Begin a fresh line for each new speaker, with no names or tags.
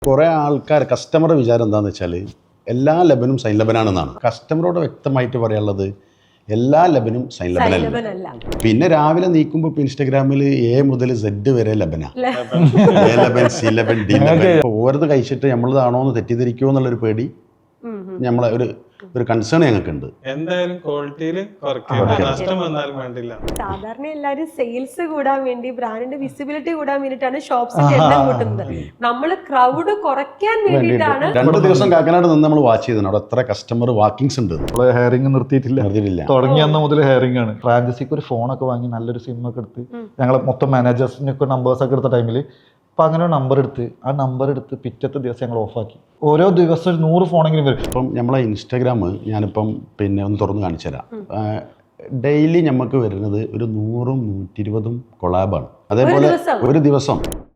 കുറേ ആൾക്കാർ കസ്റ്റമറുടെ വിചാരം എന്താണെന്ന് വെച്ചാൽ എല്ലാ ലബനും സൈൻ ലബനാണെന്നാണ്. കസ്റ്റമറോട് വ്യക്തമായിട്ട് പറയാനുള്ളത് എല്ലാ ലബനും സൈൻ ലബനല്ല. പിന്നെ രാവിലെ നീക്കുമ്പോൾ ഇപ്പോൾ ഇൻസ്റ്റാഗ്രാമിൽ എ മുതൽ സെഡ് വരെ ലബന, എ ലബൻ, സി ലബൻ, ഡി ലബൻ. ഓരോന്ന് കഴിച്ചിട്ട് നമ്മളതാണോ എന്ന് തെറ്റിദ്ധരിക്കുമോ എന്നുള്ളൊരു പേടി, നമ്മളെ ഒരു കൺസേൺ ഞങ്ങൾക്കുണ്ട്.
എന്തായാലും ക്വാളിറ്റിയിൽ നഷ്ടം വന്നാലും വേണ്ടില്ല.
സാധാരണ എല്ലാവരും സെയിൽസ് കൂടാൻ വേണ്ടി, ബ്രാൻഡിന്റെ വിസിബിലിറ്റി കൂടാൻ വേണ്ടിയിട്ടാണ് ഷോപ്സിന്റെ എണ്ണം കൂട്ടുന്നത്. നമ്മള് ക്രൗഡ് കുറയ്ക്കാൻ വേണ്ടിയിട്ടാണ്.
2 ദിവസം കാക്കനാട് നിന്ന് നമ്മൾ വാച്ച് ചെയ്തത്. അവിടെ എത്ര കസ്റ്റമർ വാക്കിങ്സ് ഉണ്ട്.
ഹെയറിംഗ് നിർത്തിയിട്ടില്ല. തുടങ്ങിയ അന്ന് മുതൽ ഹെയറിംഗ് ആണ്. ഫ്രാഞ്ചൈസിക്ക് ഒരു ഫോണൊക്കെ വാങ്ങി നല്ലൊരു സിം ഒക്കെ എടുത്ത് ഞങ്ങളെ മൊത്തം മാനേജേഴ്സിനൊക്കെ നമ്പേഴ്സ് ഒക്കെ എടുത്ത ടൈമിൽ അപ്പം അങ്ങനെ ആ നമ്പർ എടുത്ത് പിറ്റത്തെ ദിവസം ഞങ്ങൾ ഓഫാക്കി. ഓരോ ദിവസം 100 ഫോണെങ്കിലും വരും.
ഇപ്പം നമ്മളെ ഇൻസ്റ്റാഗ്രാം ഞാനിപ്പം ഒന്ന് തുറന്ന് കാണിച്ചു തരാം. ഡെയിലി നമുക്ക് വരുന്നത് ഒരു 100-120 കൊളാബാണ്. അതേപോലെ ഒരു ദിവസം